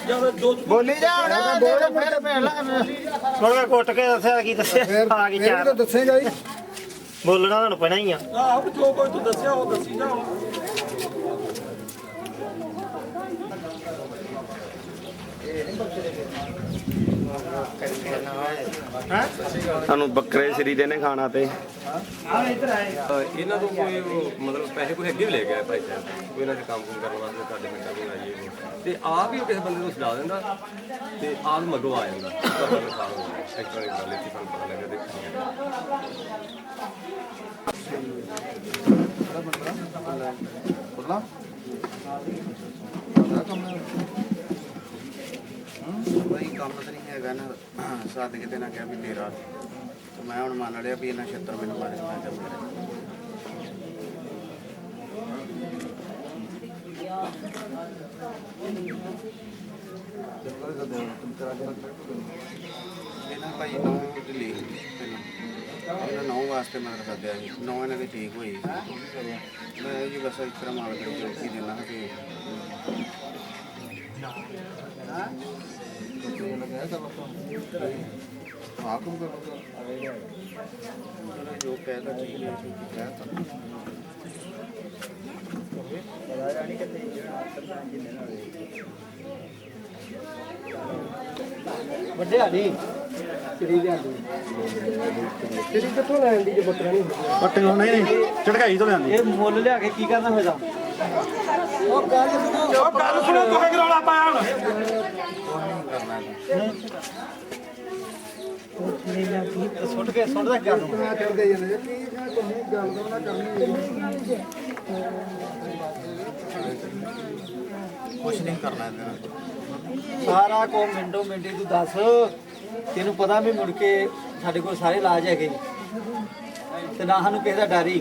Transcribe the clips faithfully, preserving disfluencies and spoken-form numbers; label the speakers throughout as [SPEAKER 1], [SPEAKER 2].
[SPEAKER 1] ਬੋਲੀ ਜਾ ਹੁਣ ਬੋਲ ਫਿਰ ਭੈਣ ਲਾ
[SPEAKER 2] ਹੁਣ ਮੈਂ ਕੁੱਟ ਕੇ ਦੱਸਿਆ ਕੀ ਦੱਸਿਆ ਆ ਗਈ ਚਾਰ
[SPEAKER 1] ਦੱਸੇਗਾ ਹੀ
[SPEAKER 2] ਬੋਲਣਾ ਤੁਹਾਨੂੰ ਪੈਣਾ ਹੀ ਆ
[SPEAKER 3] ਆਹ ਜੋ ਕੋਈ ਤੂੰ ਦੱਸਿਆ ਉਹ ਦੱਸੀ ਜਾ
[SPEAKER 4] ਸਾਨੂੰ ਬੱਕਰੇ ਸ੍ਰੀ ਦੇ ਨੇ ਖਾਣਾ ਤੇ
[SPEAKER 5] ਇਹਨਾਂ ਤੋਂ ਕੋਈ ਮਤਲਬ ਪੈਸੇ ਕੋਈ ਅੱਗੇ ਵੀ ਲੈ ਗਿਆ ਭਾਈ ਸਾਹਿਬ ਕੋਈ ਇਹਨਾਂ ਦੇ ਕੰਮ ਕੁਮ ਕਰਨ ਵਾਸਤੇ ਤੁਹਾਡੇ ਪਿੰਡਾਂ ਨੂੰ ਆਈਏ ਤੇ ਆਪ ਹੀ ਉਹ ਕਿਸੇ ਬੰਦੇ ਨੂੰ ਛਡਾ ਦਿੰਦਾ ਤੇ ਆਪ ਮਗੋ ਆ ਜਾਂਦਾ ਤੁਹਾਡਾ ਨੁਕਸਾਨ ਹੋ ਗਿਆ ਇੱਕ ਵਾਰੀ ਗੱਲ ਇੱਥੇ ਸਾਨੂੰ ਪਤਾ ਲੱਗਾ
[SPEAKER 1] ਬੋਲਣਾ ਬਈ ਕੰਮ ਤਾਂ ਨਹੀਂ ਹੈਗਾ ਨਾ ਸਾਦ ਕਿਤੇ ਨਾ ਕਿਹਾ ਵੀ ਤੇਰਾ ਤੇ ਮੈਂ ਹੁਣ ਮੰਨ ਲਿਆ ਵੀ ਇਹਨਾਂ ਛੇਤਰ ਮੈਨੂੰ ਮਾਰੇ ਮੈਂ ਚੱਲ ਇਹਨਾਂ ਭਾਈ ਨੌ ਦਿੱਲੀ ਇਹਨਾਂ ਨੌ ਵਾਸਤੇ ਮੈਂ ਸੱਦਿਆ ਸੀ ਨੌ ਇਹਨਾਂ ਦੀ ਠੀਕ ਹੋਈ ਮੈਂ ਜੀ ਬਸ ਇਸ ਤਰ੍ਹਾਂ ਮਾਲ ਕਰਕੇ ਰੋਕੀ ਦੇਣਾ ਕਿ ਆਕਮ ਕਰੋ ਜੋ ਕਹਿਦਾ ਠੀਕ ਹੈ ਠੀਕ ਹੈ
[SPEAKER 2] ਵੱਡੇ ਹਾਲੀ ਸ੍ਰੀ ਦੇ ਆਂਦੀ ਸ੍ਰੀ ਕਿੱਥੋਂ ਲੈਣ ਦੀ ਜੇ ਬੱਕਰਾ ਨਹੀਂ
[SPEAKER 3] ਪੱਟੇ ਨਹੀਂ ਨਹੀਂ ਝਟਕਾਈ ਤੋਂ ਲਿਆਂਦੀ
[SPEAKER 2] ਇਹ ਮੁੱਲ ਲਿਆ ਕੇ ਕੀ ਕਰਨਾ ਹੋਏਗਾ
[SPEAKER 3] ਉਹ ਗੱਲ ਸੁਣੋ ਉਹ ਗੱਲ ਸੁਣੋ ਤੂੰ ਕਿ ਰੌਲਾ ਪਾਇਆ ਹੁਣ
[SPEAKER 2] ਸੁੱਟ ਕੇ ਸੁੱਟਦਾ ਕਿਆ ਨੂੰ
[SPEAKER 1] ਮੈਂ ਕਰਦੇ ਜਾਂਦੇ ਕੀ ਮੈਂ ਤੁਹਾਨੂੰ ਗੱਲ ਦਾ ਨਾ ਕਰਨੀ ਕੁਛ ਨਹੀਂ ਕਰਨਾ ਇਹਦਾ
[SPEAKER 2] ਸਾਰਾ ਕੋ ਮਿੰਟੋ ਮਿੰਟੀ ਤੂੰ ਦੱਸ ਤੈਨੂੰ ਪਤਾ ਵੀ ਮੁੜ ਕੇ ਸਾਡੇ ਕੋਲ ਸਾਰੇ ਇਲਾਜ ਹੈਗੇ ਤੇ ਨਾ ਸਾਨੂੰ ਕਿਸੇ ਦਾ ਡਰ ਹੀ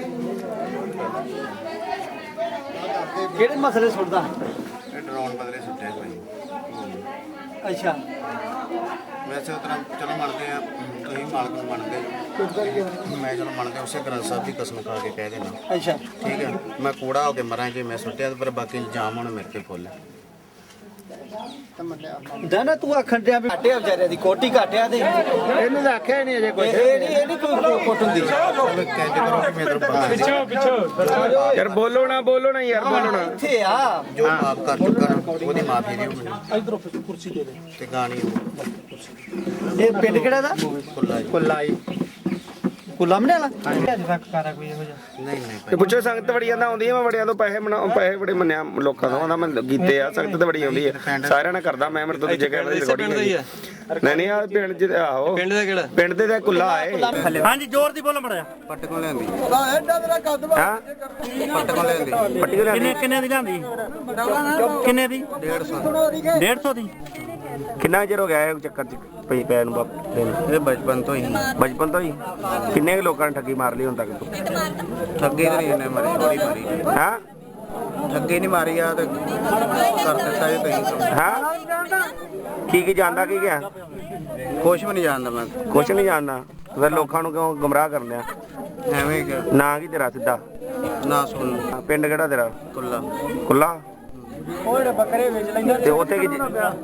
[SPEAKER 2] ਕਿਹੜੇ ਮਸਲੇ ਸੁੱਟਦਾ
[SPEAKER 1] ਇਹ ਡਰਾਉਣ ਬਦਲੇ ਸੁੱਟਿਆ ਕੋਈ
[SPEAKER 2] ਅੱਛਾ
[SPEAKER 1] ਵੈਸੇ ਉਤਰਾ ਚਲੋ ਮੰਨਦੇ ਆ ਤੁਸੀਂ ਮਾਲਕ ਨੂੰ ਮੰਨਦੇ ਮੈਂ ਚਲੋ ਮੰਨਦੇ ਉਸੇ ਗ੍ਰੰਥ ਸਾਹਿਬ ਦੀ ਕਸਮ ਖਾ ਕੇ ਕਹਿ ਦੇਣਾ
[SPEAKER 2] ਅੱਛਾ
[SPEAKER 1] ਠੀਕ ਹੈ ਮੈਂ ਕੂੜਾ ਹੋ ਕੇ ਮਰਾਂ ਜੇ ਮੈਂ ਸੁੱਟਿਆ ਤੇ ਪਰ ਬਾਕੀ ਇਲਜ਼ਾਮ ਹੁਣ ਮੇਰੇ ਤੇ ਫੁੱਲ ਹੈ
[SPEAKER 2] ਨਾ ਤੂੰ ਆਖਣ ਡਿਆ ਵੀ ਘਾਟਿਆ ਵਿਚਾਰਿਆਂ ਦੀ ਕੋਟੀ ਘਾਟਿਆ ਤੇ
[SPEAKER 1] ਇਹਨੂੰ ਤਾਂ ਆਖਿਆ ਨਹੀਂ ਅਜੇ
[SPEAKER 2] ਇਹ ਇਹ ਨਹੀਂ ਇਹ ਨਹੀਂ ਕੋਈ ਕੋਟ ਹੁੰਦੀ
[SPEAKER 1] ਕਹਿੰਦੇ ਕਰੋ ਕਿ ਮੇਰੇ ਤੋਂ ਪਿੱਛੋਂ ਪਿੱਛੋਂ
[SPEAKER 4] ਯਾਰ ਬੋਲੋ ਨਾ ਬੋਲੋ ਨਾ ਯਾਰ ਬੋਲੋ ਨਾ
[SPEAKER 2] ਇੱਥੇ ਆ
[SPEAKER 1] ਜੋ ਮਾਫ ਕਰ ਚੁੱਕਾ ਨਾ ਉਹਦੀ ਮਾਫੀ ਦਿਓ ਮੈਨੂੰ
[SPEAKER 3] ਇਧਰੋਂ ਕੁਰਸੀ ਦੇ ਦੇ
[SPEAKER 1] ਤੇ ਗਾਣੀ ਉਹ
[SPEAKER 2] ਇਹ ਪਿੰਡ ਕਿਹੜਾ ਦਾ
[SPEAKER 1] ਖੁੱਲਾ ਜੀ
[SPEAKER 2] ਕੁੱਲਾਈ ਕੁੱਲਾਮਣੇ ਵਾਲਾ ਅੱਜ ਤੱਕ ਕਰਾ ਕੋਈ ਇਹੋ ਜਿਹਾ
[SPEAKER 1] ਨਹੀਂ ਨਹੀਂ
[SPEAKER 4] ਤੇ ਪੁੱਛੋ ਸੰਗਤ ਬੜੀਆਂ ਦਾ ਆਉਂਦੀ ਆ ਮੈਂ ਬੜਿਆਂ ਤੋਂ ਪੈਸੇ ਬਣਾ ਪੈਸੇ ਬੜੇ ਮੰਨਿਆ ਲੋਕਾਂ ਤੋਂ ਆਉਂਦਾ ਮੈਂ ਕੀਤੇ ਆ ਸੰਗਤ ਤੇ ਬੜੀ ਆਉਂਦੀ ਆ ਸਾਰਿਆਂ ਨਾਲ ਕਰਦਾ ਮੈਂ ਮੇਰੇ ਤੋਂ ਦੂਜੇ ਕਹਿਣ ਦੀ ਰਿਕਾਰਡਿੰਗ ਨਹੀਂ ਨਹੀਂ ਆ ਪਿੰਡ ਚ ਆਹੋ ਪਿੰਡ ਦਾ ਕਿਹੜਾ ਪਿੰਡ ਦੇ ਦਾ ਕੁੱਲਾ ਆਏ
[SPEAKER 2] ਹਾਂਜੀ ਜ਼ੋਰ ਦੀ ਬੋਲੋ ਮੜਿਆ
[SPEAKER 1] ਪੱਟ ਕੋਲ ਲੈਂਦੀ
[SPEAKER 4] ਹਾਂ
[SPEAKER 1] ਪੱਟ ਕੋਲ ਲੈਂਦੀ
[SPEAKER 4] ਪੱਟੀ ਕੋ
[SPEAKER 2] ਕਿੰਨੇ ਕਿੰਨੇ ਦੀ ਲਿਆਂਦੀ ਕਿੰਨੇ ਦੀ
[SPEAKER 1] ਡੇਢ ਸੌ
[SPEAKER 2] ਡੇਢ ਸੌ ਦੀ
[SPEAKER 4] ਕਿੰਨਾ ਚਿਰ ਹੋ ਗਿਆ ਇਹ ਚੱਕਰ ਚ ਪਈ ਪੈਨ ਨੂੰ ਬਾਪੇ ਨੂੰ
[SPEAKER 1] ਇਹ ਬਚਪਨ ਤੋਂ ਹੀ
[SPEAKER 4] ਬਚਪਨ ਤੋਂ ਹੀ ਕਿੰਨੇ ਕੁ ਲੋਕਾਂ ਨੇ ਠੱਗੀ ਮਾਰ ਲਈ ਹੁਣ ਤੱਕ ਤੂੰ
[SPEAKER 1] ਠੱਗੇ ਤੇ ਨਹੀਂ ਇਹਨੇ ਮਾਰੀ ਥੋੜੀ ਮਾਰੀ
[SPEAKER 4] ਹਾਂ
[SPEAKER 1] ਠੱਗੇ ਨਹੀਂ ਮਾਰੀ ਆ ਤੇ ਕਰ ਦਿੱਤਾ ਇਹ ਤੁਸੀਂ
[SPEAKER 4] ਹਾਂ ਕੀ ਕੀ ਜਾਣਦਾ ਕੀ ਗਿਆ
[SPEAKER 1] ਕੁਛ ਵੀ ਨਹੀਂ ਜਾਣਦਾ ਮੈਂ
[SPEAKER 4] ਕੁਛ ਨਹੀਂ ਜਾਣਦਾ ਫਿਰ ਲੋਕਾਂ ਨੂੰ ਕਿਉਂ ਗੁੰਮਰਾਹ ਕਰਨੇ ਆ
[SPEAKER 1] ਐਵੇਂ ਕਿ
[SPEAKER 4] ਨਾਂ ਕੀ ਤੇਰਾ ਸਿੱਧਾ
[SPEAKER 1] ਨਾ ਸੁਣ
[SPEAKER 4] ਪਿੰਡ ਕਿਹੜਾ ਤੇਰਾ
[SPEAKER 1] ਕੁੱਲਾ
[SPEAKER 4] ਕੁੱਲਾ
[SPEAKER 2] ਉਹ ਜਿਹੜੇ ਬੱਕਰੇ ਵੇਚ ਲੈਂਦੇ
[SPEAKER 4] ਤੇ ਉੱਥੇ ਕੀ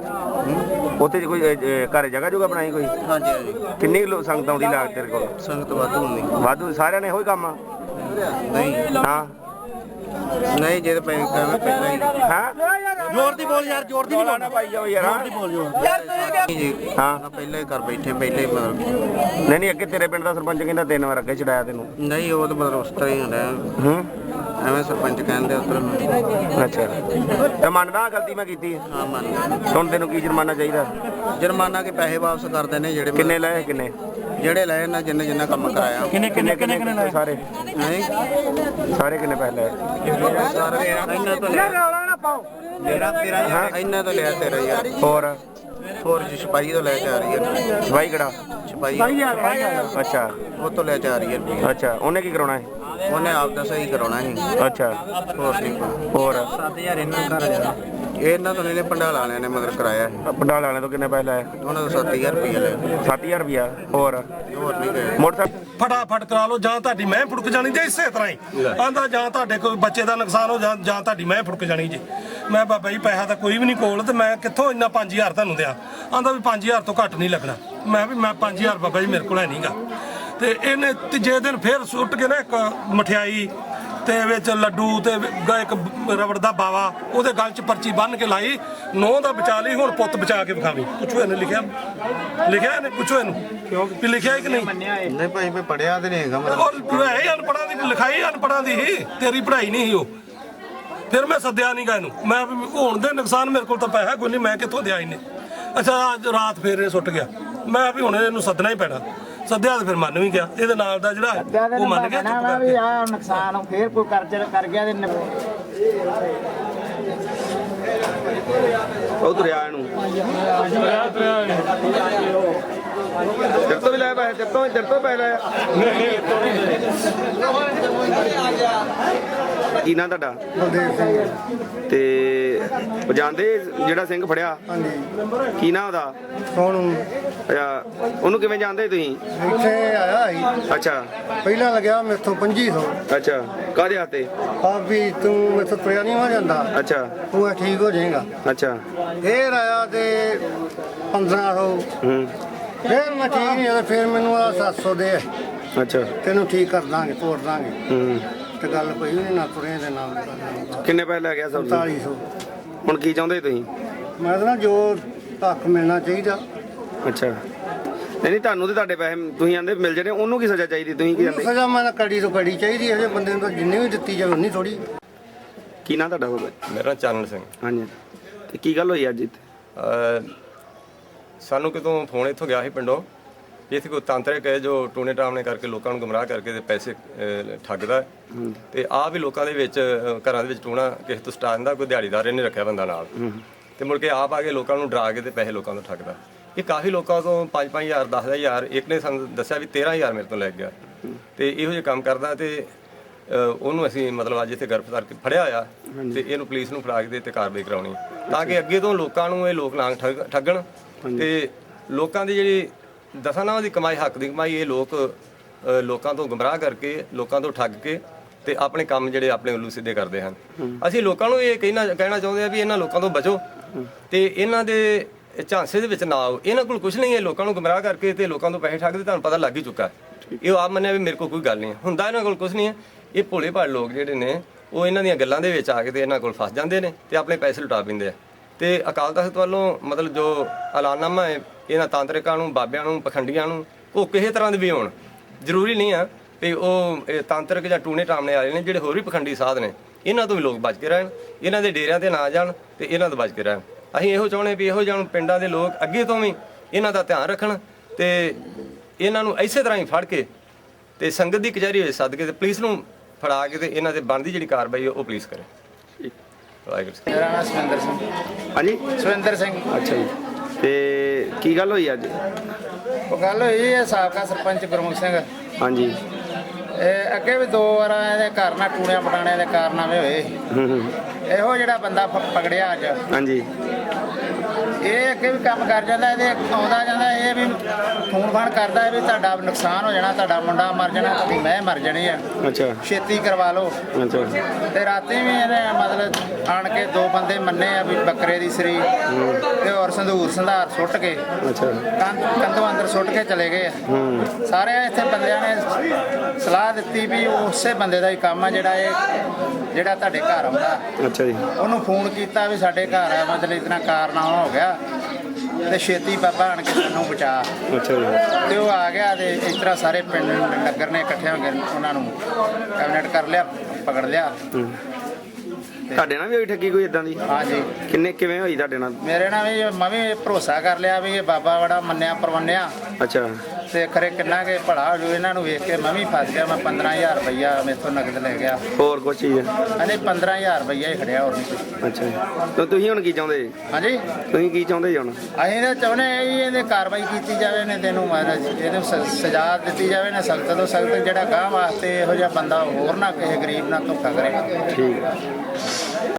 [SPEAKER 4] ਉੱਥੇ ਕੋਈ ਅਹ, ਘਰ ਜਗ੍ਹਾ ਜੁਗਾ ਬਣਾਈ ਕੋਈ
[SPEAKER 1] ਹਾਂਜੀ ਹਾਂਜੀ
[SPEAKER 4] ਕਿੰਨੀ ਕੁ ਲੋ- ਸੰਗਤ ਆਉਂਦੀ ਲਾਗ ਤੇਰੇ ਕੋਲ
[SPEAKER 1] ਸੰਗਤ ਵਾਧੂ ਹੁੰਦੀ
[SPEAKER 4] ਵਾਧੂ ਸਾਰਿਆਂ ਨੇ ਇਹੋ ਹੀ ਕੰਮ ਆ
[SPEAKER 1] ਨਹੀਂ
[SPEAKER 4] ਹਾਂ
[SPEAKER 1] ਨਹੀਂ ਜੇ ਤਾਂ ਪੈ ਕਵੇਂ ਪਹਿਲਾਂ ਹੀ
[SPEAKER 4] ਹਾਂ
[SPEAKER 2] ਜ਼ੋਰ ਦੀ ਬੋਲ ਯਾਰ ਜ਼ੋਰ ਦੀ ਨਹੀਂ ਬੋਲਣਾ
[SPEAKER 4] ਭਾਈ ਜਾਓ ਯਾਰ ਹਾਂ
[SPEAKER 2] ਬੋਲ ਜੋ
[SPEAKER 1] ਜੀ
[SPEAKER 4] ਹਾਂ
[SPEAKER 1] ਨਾ ਪਹਿਲਾਂ ਹੀ ਘਰ ਬੈਠੇ ਪਹਿਲਾਂ ਹੀ ਮਤਲਬ
[SPEAKER 4] ਨਹੀਂ ਨਹੀਂ ਅੱਗੇ ਤੇਰੇ ਪਿੰਡ ਦਾ ਸਰਪੰਚ ਕਹਿੰਦਾ ਤਿੰਨ ਵਾਰ ਅੱਗੇ ਛਡਾਇਆ ਤੈਨੂੰ
[SPEAKER 1] ਨਹੀਂ ਉਹ ਤਾਂ ਮਤਲਬ ਉਸ ਤਰ੍ਹਾਂ ਹੀ ਹੁੰਦਾ
[SPEAKER 4] ਹੂੰ
[SPEAKER 1] ਐਵੇਂ ਸਰਪੰਚ ਕਹਿੰਦੇ ਉਧਰ
[SPEAKER 4] ਅੱਛਾ ਤੇ ਮੰਨਦਾ ਗਲਤੀ ਮੈਂ ਕੀਤੀ ਹੈ
[SPEAKER 1] ਹਾਂ ਮੰਨ
[SPEAKER 4] ਹੁਣ ਤੈਨੂੰ ਕੀ ਜੁਰਮਾਨਾ ਚਾਹੀਦਾ
[SPEAKER 1] ਜੁਰਮਾਨਾ ਕੇ ਪੈਸੇ ਵਾਪਸ ਕਰ ਦੇਣੇ ਜਿਹੜੇ
[SPEAKER 4] ਕਿੰਨੇ ਲਏ ਕਿੰਨੇ
[SPEAKER 1] ਜਿਹੜੇ ਲਏ ਨਾ ਜਿੰਨੇ ਜਿੰਨਾ ਕੰਮ ਕਰਾਇਆ
[SPEAKER 2] ਕਿੰਨੇ ਕਿੰਨੇ ਕਿੰਨੇ ਕਿੰਨੇ ਲਾਏ
[SPEAKER 4] ਸਾਰੇ
[SPEAKER 1] ਨਹੀਂ
[SPEAKER 4] ਸਾਰੇ ਕਿੰਨੇ ਪੈਸੇ ਲਏ
[SPEAKER 1] ਸਾਰੇ ਇਹਨਾਂ ਤੋਂ ਲਿਆ
[SPEAKER 2] ਰੌਲਾ ਨਾ ਪਾਓ
[SPEAKER 1] ਤੇਰਾ ਤੇਰਾ ਇੰਨਾ ਤੋਂ ਲਿਆ ਤੇਰਾ ਯਾਰ
[SPEAKER 4] ਹੋਰ
[SPEAKER 1] ਹੋਰ ਜੀ ਛਪਾਈ ਤੋਂ ਲੈ ਕੇ ਆ ਰਹੀ ਹੈ
[SPEAKER 4] ਭਾਈ ਕਿਹੜਾ
[SPEAKER 1] ਛਪਾਈ
[SPEAKER 4] ਅੱਛਾ
[SPEAKER 1] ਉਹ ਤੋਂ ਲੈ ਕੇ ਆ ਰਹੀ ਹੈ ਰੁਪਈਆ।
[SPEAKER 4] ਅੱਛਾ ਉਹਨੇ ਕੀ ਕਰਾਉਣਾ ਹੈ
[SPEAKER 1] ਉਹਨੇ ਆਪ ਦਾ ਸਹੀ ਕਰਾਉਣਾ ਸੀ
[SPEAKER 4] ਅੱਛਾ
[SPEAKER 1] ਹੋਰ ਠੀਕ
[SPEAKER 4] ਹੋਰ
[SPEAKER 2] ਸੱਤ ਹਜ਼ਾਰ ਇਹਨਾਂ ਘਰ ਜਾਣਾ
[SPEAKER 1] ਇਹ ਇਹਨਾਂ ਤੋਂ ਇਹਨੇ ਪੰਡਾਲ ਵਾਲਿਆਂ ਨੇ ਮਗਰ ਕਰਾਇਆ ਸੀ।
[SPEAKER 4] ਪੰਡਾਲ ਵਾਲਿਆਂ ਤੋਂ ਕਿੰਨੇ ਪੈਸੇ ਲਾਏ
[SPEAKER 1] ਉਹਨਾਂ ਤੋਂ ਸੱਤ ਹਜ਼ਾਰ ਰੁਪਈਆ ਲਿਆ
[SPEAKER 4] ਸੱਤ ਹਜ਼ਾਰ ਰੁਪਇਆ ਹੋਰ
[SPEAKER 1] ਹੋਰ ਨਹੀਂ ਗਏ
[SPEAKER 4] ਮੋਟਰਸਾਈਕਲ
[SPEAKER 3] ਫਟਾਫਟ ਕਰਾ ਲਓ ਜਾਂ ਤੁਹਾਡੀ ਮੈਂ ਫੁੜਕ ਜਾਣੀ ਜੇ ਇਸੇ ਤਰ੍ਹਾਂ ਹੀ ਆਂਦਾ ਜਾਂ ਤੁਹਾਡੇ ਕੋਈ ਬੱਚੇ ਦਾ ਨੁਕਸਾਨ ਹੋ ਜਾਂ ਜਾਂ ਤੁਹਾਡੀ ਮੈਂ ਫੁੜਕ ਜਾਣੀ ਜੀ। ਮੈਂ ਬਾਬਾ ਜੀ ਪੈਸਾ ਤਾਂ ਕੋਈ ਵੀ ਨਹੀਂ ਕੋਲ ਤੇ ਮੈਂ ਕਿੱਥੋਂ ਇੰਨਾ ਪੰਜ ਹਜ਼ਾਰ ਤੁਹਾਨੂੰ ਦਿਆਂ। ਆਂਦਾ ਵੀ ਪੰਜ ਹਜ਼ਾਰ ਤੋਂ ਘੱਟ ਨਹੀਂ ਲੱਗਣਾ। ਮੈਂ ਵੀ ਮੈਂ ਪੰਜ ਹਜ਼ਾਰ ਬਾਬਾ ਜੀ ਮੇਰੇ ਕੋਲ ਹੈ ਨਹੀਂਗਾ। ਤੇ ਇਹਨੇ ਤੀਜੇ ਦਿਨ ਫੇਰ ਸੁੱਟ ਕੇ ਨਾ ਇੱਕ ਮਠਿਆਈ ਤੇ ਵਿੱਚ ਲੱਡੂ ਤੇ ਇੱਕ ਰਬੜ ਦਾ ਬਾਵਾ ਉਹਦੇ ਗਲ 'ਚ ਪਰਚੀ ਬੰਨ ਕੇ ਲਾਈ ਨੌਂ ਦਾ ਬਚਾ ਲਈ ਹੁਣ ਪੁੱਤ ਬਚਾ ਕੇ ਵਿਖਾਵੀ। ਪੁੱਛੋ ਇਹਨੇ ਲਿਖਿਆ ਲਿਖਿਆ ਇਹਨੇ ਪੁੱਛੋ ਇਹਨੂੰ ਵੀ ਲਿਖਿਆ ਕਿ ਨਹੀਂ।
[SPEAKER 1] ਨਹੀਂ ਭਾਈ ਮੈਂ ਪੜਿਆ ਤੇ ਨਹੀਂ ਹੈਗਾ ਮਤਲਬ
[SPEAKER 3] ਔਰ ਹੈ ਹੀ ਅਨਪੜ੍ਹਾਂ ਦੀ ਲਿਖਾਈ ਅਨਪੜ੍ਹਾਂ ਦੀ ਹੀ ਤੇਰੀ ਪੜ੍ਹਾਈ ਨਹੀਂ ਸੀ ਉਹ। ਫਿਰ ਮੈਂ ਸੱਦਿਆ ਨਹੀਂ ਗਾ ਇਹਨੂੰ ਮੈਂ ਵੀ ਹੋਣ ਦੇ ਨੁਕਸਾਨ ਮੇਰੇ ਕੋਲ ਤਾਂ ਪੈਸਾ ਕੋਈ ਨਹੀਂ ਮੈਂ ਕਿੱਥੋਂ ਦਿਆ ਇਹਨੇ। ਅੱਛਾ ਅੱਜ ਰਾਤ ਫੇਰ ਇਹ ਸੁੱਟ ਗਿਆ। ਮੈਂ ਵੀ ਹੁਣ ਇਹਨੂੰ ਸੱਦਣਾ ਹੀ ਪੈਣਾ। ਸੱਦਿਆ ਤੇ ਫਿਰ ਮੰਨ ਵੀ ਗਿਆ। ਇਹਦੇ ਨਾਲ ਦਾ ਜਿਹੜਾ ਉਹ ਮੰਨ ਗਿਆ ਚੁੱਪ ਕਰਕੇ।
[SPEAKER 2] ਆ ਨੁਕਸਾਨ ਫੇਰ ਕੋਈ ਕਰਜ਼ਾ ਕਰ ਗਿਆ ਤੇ
[SPEAKER 4] ਉਹ ਤੁਰਿਆ ਇਹਨੂੰ ਤੇਰੇ ਤੋਂ ਵੀ ਲੈ ਪੈਸੇ ਤੇਰੇ ਤੋਂ ਤੇਰੇ ਤੋਂ ਪੈਸੇ ਲਾਇਆ ਕੀ ਨਾਂ ਤੁਹਾਡਾ
[SPEAKER 6] ਬਲਦੇਵ ਸਿੰਘ
[SPEAKER 4] ਤੇ ਉਹ ਜਾਂਦੇ ਜਿਹੜਾ ਸਿੰਘ ਫੜਿਆ
[SPEAKER 6] ਹਾਂਜੀ
[SPEAKER 4] ਕੀ ਨਾਂ ਉਹਦਾ
[SPEAKER 6] ਸੋਨੂੰ
[SPEAKER 4] ਅੱਛਾ ਉਹਨੂੰ ਕਿਵੇਂ ਜਾਣਦੇ ਤੁਸੀਂ
[SPEAKER 6] ਇੱਥੇ ਆਇਆ ਸੀ
[SPEAKER 4] ਅੱਛਾ
[SPEAKER 6] ਪਹਿਲਾਂ ਲੱਗਿਆ ਮੇਥੋਂ ਪੰਜੀ ਸੌ
[SPEAKER 4] ਅੱਛਾ ਕਾਹਦੇ ਹੱਥੇ
[SPEAKER 6] ਆ ਵੀ ਤੂੰ ਮੇਥੋਂ ਤੁਰਿਆ ਨਹੀਂ ਹੋ ਜਾਂਦਾ
[SPEAKER 4] ਅੱਛਾ
[SPEAKER 6] ਤੂੰ ਇਹ ਠੀਕ ਹੋ ਜਾਏਗਾ
[SPEAKER 4] ਅੱਛਾ
[SPEAKER 6] ਫੇਰ ਆਇਆ ਤੇ ਪੰਦਰਾਂ ਸੌ
[SPEAKER 4] ਹੂੰ
[SPEAKER 6] ਫੇਰ ਮੈਂ ਠੀਕ ਨਹੀਂ ਹੋਇਆ ਫਿਰ ਮੈਨੂੰ ਆ ਸੱਤ ਸੌ ਦੇ
[SPEAKER 4] ਅੱਛਾ
[SPEAKER 6] ਤੈਨੂੰ ਠੀਕ ਕਰ ਦਾਂਗੇ ਤੋੜ ਦਾਂਗੇ
[SPEAKER 4] ਹੂੰ
[SPEAKER 6] ਤੇ ਗੱਲ ਪਈ ਨਹੀਂ ਨਾ ਤੁਰੇ ਦੇ ਨਾਲ
[SPEAKER 4] ਕਿੰਨੇ ਪੈਸੇ ਲੈ ਗਿਆ ਸਭ ਤੋਂ
[SPEAKER 6] ਪੰਤਾਲੀ ਸੌ
[SPEAKER 4] ਹੁਣ ਕੀ ਚਾਹੁੰਦੇ ਤੁਸੀਂ
[SPEAKER 6] ਮੈਂ ਤਾਂ ਨਾ ਜੋ ਹੱਕ ਮਿਲਣਾ ਚਾਹੀਦਾ
[SPEAKER 4] ਅੱਛਾ ਨਹੀਂ ਨਹੀਂ ਤੁਹਾਨੂੰ ਤੇ ਤੁਹਾਡੇ ਪੈਸੇ ਤੁਸੀਂ ਆਂਦੇ ਮਿਲ ਜਾਣੇ ਉਹਨੂੰ ਕੀ ਸਜ਼ਾ ਚਾਹੀਦੀ ਤੁਸੀਂ ਕੀ
[SPEAKER 6] ਉਹਨੂੰ
[SPEAKER 4] ਕਹਿੰਦੇ
[SPEAKER 6] ਸਜ਼ਾ ਮੈਂ ਕੜੀ ਤੋਂ ਕੜੀ ਚਾਹੀਦੀ ਹੈ ਜੇ ਬੰਦੇ ਨੂੰ ਤਾਂ ਜਿੰਨੀ ਵੀ ਦਿੱਤੀ ਜਾਵੇ ਉਨੀ ਥੋੜੀ
[SPEAKER 4] ਕੀ ਨਾਂ ਤੁਹਾਡਾ ਬਾਬਾ
[SPEAKER 5] ਮੇਰਾ ਚਾਨਣ ਸਿੰਘ।
[SPEAKER 4] ਹਾਂਜੀ ਤੇ ਕੀ ਗੱਲ ਹੋਈ ਅੱਜ ਇੱਥੇ
[SPEAKER 5] ਅਹ ਸਾਨੂੰ ਕਿਤੋਂ ਫੋਨ ਇੱਥੋਂ ਗਿਆ ਸੀ ਪਿੰਡੋਂ ਵੀ ਇੱਥੇ ਕੋਈ ਤਾਂਤਰਿਕ ਹੈ ਜੋ ਟੂਣੇ ਟਾਮਣੇ ਕਰਕੇ ਲੋਕਾਂ ਨੂੰ ਗੁੰਮਰਾਹ ਕਰਕੇ ਤੇ ਪੈਸੇ ਅਹ, ਠੱਗਦਾ ਹੈ। ਤੇ ਆਹ ਵੀ ਲੋਕਾਂ ਦੇ ਵਿੱਚ ਅਹ, ਘਰਾਂ ਦੇ ਵਿੱਚ ਟੂਣਾ ਕਿਸੇ ਤੋਂ ਸਟਾ ਦਿੰਦਾ ਕੋਈ ਦਿਹਾੜੀਦਾਰ ਇਹਨੇ ਰੱਖਿਆ ਬੰਦਾ ਨਾਲ ਤੇ ਮੁੜ ਕੇ ਆਪ ਆ ਕੇ ਲੋਕਾਂ ਨੂੰ ਡਰਾ ਕੇ ਤੇ ਪੈਸੇ ਲੋਕਾਂ ਤੋਂ ਠੱਗਦਾ। ਇਹ ਕਾਫੀ ਲੋਕਾਂ ਤੋਂ ਪੰਜ ਪੰਜ ਹਜ਼ਾਰ ਦਸ ਹਜ਼ਾਰ ਇੱਕ ਨੇ ਸਾਨੂੰ ਦੱਸਿਆ ਵੀ ਤੇਰਾਂ ਹਜ਼ਾਰ ਮੇਰੇ ਤੋਂ ਲੈ ਗਿਆ ਤੇ ਇਹੋ ਜਿਹੇ ਕੰਮ ਕਰਦਾ ਤੇ ਅਹ, ਉਹਨੂੰ ਅਸੀਂ ਮਤਲਬ ਅੱਜ ਇੱਥੇ ਗ੍ਰਿਫਤਾਰ ਕਰਕੇ ਫੜਿਆ ਹੋਇਆ ਤੇ ਇਹਨੂੰ ਪੁਲਿਸ ਨੂੰ ਫੜਾ ਕੇ ਤੇ ਕਾਰਵਾਈ ਕਰਾਉਣੀ ਤਾਂ ਕਿ ਅੱਗੇ ਤੋਂ ਲੋਕਾਂ ਨੂੰ ਇਹ ਲੋਕ ਲਾਂਗ ਠੱਗ ਠੱਗਣ ਤੇ ਲੋਕਾਂ ਦੀ ਜਿਹੜੀ ਦਸਾਂ ਨਾਵਾਂ ਦੀ ਕਮਾਈ ਹੱਕ ਦੀ ਕਮਾਈ ਇਹ ਲੋਕ ਅਹ, ਲੋਕਾਂ ਤੋਂ ਗੁੰਮਰਾਹ ਕਰਕੇ ਲੋਕਾਂ ਤੋਂ ਠੱਗ ਕੇ ਤੇ ਆਪਣੇ ਕੰਮ ਜਿਹੜੇ ਆਪਣੇ ਉੱਲੂ ਸਿੱਧੇ ਕਰਦੇ ਹਨ। ਅਸੀਂ ਲੋਕਾਂ ਨੂੰ ਇਹ ਕਹਿਣਾ ਕਹਿਣਾ ਚਾਹੁੰਦੇ ਆ ਵੀ ਇਹਨਾਂ ਲੋਕਾਂ ਤੋਂ ਬਚੋ ਤੇ ਇਹਨਾਂ ਦੇ ਝਾਂਸੇ ਦੇ ਵਿੱਚ ਨਾ ਆਓ। ਇਹਨਾਂ ਕੋਲ ਕੁਝ ਨਹੀਂ ਹੈ ਲੋਕਾਂ ਨੂੰ ਗੁੰਮਰਾਹ ਕਰਕੇ ਤੇ ਲੋਕਾਂ ਤੋਂ ਪੈਸੇ ਠੱਗਦੇ ਤੁਹਾਨੂੰ ਪਤਾ ਲੱਗ ਹੀ ਚੁੱਕਾ। ਇਹ ਆਪ ਮੰਨਿਆ ਵੀ ਮੇਰੇ ਕੋਲ ਕੋਈ ਗੱਲ ਨਹੀਂ ਹੈ ਹੁੰਦਾ ਇਹਨਾਂ ਕੋਲ ਕੁਝ ਨਹੀਂ ਹੈ। ਇਹ ਭੋਲੇ ਭਾਲੇ ਲੋਕ ਜਿਹੜੇ ਨੇ ਉਹ ਇਹਨਾਂ ਦੀਆਂ ਗੱਲਾਂ ਦੇ ਵਿੱਚ ਆ ਕੇ ਤੇ ਇਹਨਾਂ ਕੋਲ ਫਸ ਜਾਂਦੇ ਨੇ ਤੇ ਆਪਣੇ ਪੈਸੇ ਲੁਟਾ ਪੈਂਦੇ ਆ। ਤੇ ਅਕਾਲ ਤਖਤ ਵੱਲੋਂ ਮਤਲਬ ਜੋ ਐਲਾਨਨਾਮਾ ਹੈ ਇਹਨਾਂ ਤਾਂਤਰਿਕਾਂ ਨੂੰ ਬਾਬਿਆਂ ਨੂੰ ਪਖੰਡੀਆਂ ਨੂੰ ਉਹ ਕਿਸੇ ਤਰ੍ਹਾਂ ਦੇ ਵੀ ਹੋਣ ਜ਼ਰੂਰੀ ਨਹੀਂ ਆ ਵੀ ਉਹ ਇਹ ਤਾਂਤਰਿਕ ਜਾਂ ਟੂਣੇ ਟਾਮਣੇ ਵਾਲੇ ਨੇ ਜਿਹੜੇ ਹੋਰ ਵੀ ਪਖੰਡੀ ਸਾਧ ਨੇ ਇਹਨਾਂ ਤੋਂ ਵੀ ਲੋਕ ਬਚ ਕੇ ਰਹਿਣ ਇਹਨਾਂ ਦੇ ਡੇਰਿਆਂ ਤੇ ਨਾ ਜਾਣ ਤੇ ਇਹਨਾਂ ਤੋਂ ਬਚ ਕੇ ਰਹਿਣ। ਅਸੀਂ ਇਹੋ ਚਾਹੁੰਦੇ ਵੀ ਇਹੋ ਜਿਹੇ ਪਿੰਡਾਂ ਦੇ ਲੋਕ ਅੱਗੇ ਤੋਂ ਵੀ ਇਹਨਾਂ ਦਾ ਧਿਆਨ ਰੱਖਣ ਤੇ ਇਹਨਾਂ ਨੂੰ ਇਸੇ ਤਰ੍ਹਾਂ ਹੀ ਫੜ ਕੇ ਤੇ ਸੰਗਤ ਦੀ ਕਚਹਿਰੀ ਵਿੱਚ ਸੱਦ ਕੇ ਤੇ ਪੁਲਿਸ ਨੂੰ ਫੜਾ ਕੇ ਤੇ ਇਹਨਾਂ ਤੇ ਬਣਦੀ ਜਿਹੜੀ ਕਾਰਵਾਈ ਹੈ ਉਹ ਪੁਲਿਸ ਕਰੇ। ਵਾਹਿਗੁਰੂ।
[SPEAKER 2] ਮੇਰਾ ਨਾਮ ਸੁਰਿੰਦਰ ਸਿੰਘ
[SPEAKER 4] ਹਾਂਜੀ
[SPEAKER 2] ਸੁਰਿੰਦਰ ਸਿੰਘ
[SPEAKER 4] ਅੱਛਾ ਜੀ ਤੇ ਕੀ ਗੱਲ ਹੋਈ ਅੱਜ
[SPEAKER 2] ਉਹ ਗੱਲ ਹੋਈ ਹੈ ਸਾਬਕਾ ਸਰਪੰਚ ਗੁਰਮੁਖ ਸਿੰਘ
[SPEAKER 4] ਹਾਂਜੀ
[SPEAKER 2] ਇਹ ਅੱਗੇ ਵੀ ਦੋ ਵਾਰ ਇਹਦੇ ਘਰ ਨਾਲ ਟੂਣਿਆਂ ਪਟਾਣਿਆਂ ਦੇ ਕਾਰਨਾਮੇ ਹੋਏ।
[SPEAKER 4] ਹੂੰ ਹੂੰ
[SPEAKER 2] ਇਹੋ ਜਿਹੜਾ ਬੰਦਾ ਪ- ਪਕੜਿਆ ਅੱਜ
[SPEAKER 4] ਹਾਂਜੀ
[SPEAKER 2] ਇਹ ਅੱਗੇ ਵੀ ਕੰਮ ਕਰ ਜਾਂਦਾ ਇਹਦੇ ਆਉਂਦਾ ਜਾਂਦਾ ਇਹ ਵੀ ਫੋਨ ਫਾਨ ਕਰਦਾ ਹੈ ਵੀ ਤੁਹਾਡਾ ਨੁਕਸਾਨ ਹੋ ਜਾਣਾ ਤੁਹਾਡਾ ਮੁੰਡਾ ਮਰ ਜਾਣਾ ਤੁਹਾਡੀ ਮੈਂ ਮਰ ਜਾਣੀ ਆ
[SPEAKER 4] ਅੱਛਾ
[SPEAKER 2] ਛੇਤੀ ਕਰਵਾ ਲਓ।
[SPEAKER 4] ਅੱਛਾ
[SPEAKER 2] ਤੇ ਰਾਤੀ ਵੀ ਇਹਨੇ ਮਤਲਬ ਆਣ ਕੇ ਦੋ ਬੰਦੇ ਮੰਨੇ ਆ ਵੀ ਬੱਕਰੇ ਦੀ ਸਰੀ ਤੇ ਹੋਰ ਸੰਧੂਰ ਸੰਧਾਰ ਸੁੱਟ ਕੇ
[SPEAKER 4] ਅੱਛਾ
[SPEAKER 2] ਕੰਧ ਕੰਧੋਂ ਅੰਦਰ ਸੁੱਟ ਕੇ ਚਲੇ ਗਏ ਆ।
[SPEAKER 4] ਹੂੰ
[SPEAKER 2] ਸਾਰੇ ਇੱਥੇ ਬੰਦਿਆਂ ਨੇ ਸਲਾਹ ਦਿੱਤੀ ਵੀ ਉਸੇ ਬੰਦੇ ਦਾ ਹੀ ਕੰਮ ਆ ਜਿਹੜਾ ਇਹ ਜਿਹੜਾ ਤੁਹਾਡੇ ਘਰ ਆਉਂਦਾ।
[SPEAKER 4] ਅੱਛਾ ਜੀ
[SPEAKER 2] ਉਹਨੂੰ ਫੋਨ ਕੀਤਾ ਵੀ ਸਾਡੇ ਘਰ ਆ ਮਤਲਬ ਇਤਨਾ ਕਾਰਨਾਮਾ ਹੋ ਗਿਆ ਤੇ ਛੇਤੀ ਬਾਬਾ ਆਣ ਕੇ ਸਾਨੂੰ ਬਚਾ।
[SPEAKER 4] ਅੱਛਾ ਜੀ
[SPEAKER 2] ਤੇ ਉਹ ਆ ਗਿਆ ਤੇ ਇਸ ਤਰ੍ਹਾਂ ਸਾਰੇ ਪਿੰਡ ਨਗਰ ਨੇ ਇਕੱਠੇ ਹੋ ਕੇ ਉਹਨਾਂ ਨੂੰ ਕੈਬਨਿਟ ਕਰ ਲਿਆ ਪਕੜ ਲਿਆ।
[SPEAKER 4] ਹੂੰ। ਤੁਹਾਡੇ ਨਾਲ ਵੀ ਹੋਈ ਠੱਗੀ ਕੋਈ ਇਦਾਂ ਦੀ
[SPEAKER 2] ਹਾਂਜੀ
[SPEAKER 4] ਕਿੰਨੇ ਕਿਵੇਂ ਹੋਈ ਤੁਹਾਡੇ ਨਾਲ
[SPEAKER 2] ਮੇਰੇ ਨਾਲ ਵੀ ਮੈਂ ਵੀ ਭਰੋਸਾ ਕਰ ਲਿਆ ਵੀ ਇਹ ਬਾਬਾ ਬੜਾ ਮੰਨਿਆ ਪਰਵੰਨਿਆ
[SPEAKER 4] ਅੱਛਾ
[SPEAKER 2] ਤੇ ਖਰੇ ਕਿੰਨਾ ਕਿ ਭਲਾ ਹੋ ਜੂ ਇਹਨਾਂ ਨੂੰ ਵੇਖ ਕੇ ਮੈਂ ਵੀ ਫਸ ਗਿਆ। ਮੈਂ ਪੰਦਰਾਂ ਹਜ਼ਾਰ ਰੁਪਈਆ ਮੇਥੋਂ ਨਗਦ ਲੈ ਗਿਆ।
[SPEAKER 4] ਹੋਰ ਕੁਛ ਚੀਜ਼
[SPEAKER 2] ਹਾਂਜੀ ਪੰਦਰਾਂ ਹਜ਼ਾਰ ਰੁਪਈਆ ਹੀ ਖੜਿਆ ਹੋਰ ਨਹੀਂ ਕੁਛ।
[SPEAKER 4] ਅੱਛਾ ਜੀ। ਤੇ ਤੁਸੀਂ ਹੁਣ ਕੀ ਚਾਹੁੰਦੇ ਜੀ?
[SPEAKER 2] ਹਾਂਜੀ
[SPEAKER 4] ਤੁਸੀਂ ਕੀ ਚਾਹੁੰਦੇ ਜੀ ਹੁਣ?
[SPEAKER 2] ਅਸੀਂ ਤਾਂ ਚਾਹੁੰਦੇ ਹਾਂ ਜੀ ਇਹਦੇ ਕਾਰਵਾਈ ਕੀਤੀ ਜਾਵੇ ਨੇ ਤੈਨੂੰ ਮਹਾਰਾਜ ਇਹਨੂੰ ਸ- ਸਜ਼ਾ ਦਿੱਤੀ ਜਾਵੇ ਨਾ ਸਖਤ ਤੋਂ ਸਖਤ, ਜਿਹੜਾ ਗਾਂ ਵਾਸਤੇ ਇਹੋ ਜਿਹਾ ਬੰਦਾ ਹੋਰ ਨਾ ਕਿਸੇ ਗਰੀਬ ਨਾਲ ਧੋਖਾ ਕਰੇ।
[SPEAKER 4] ਠੀਕ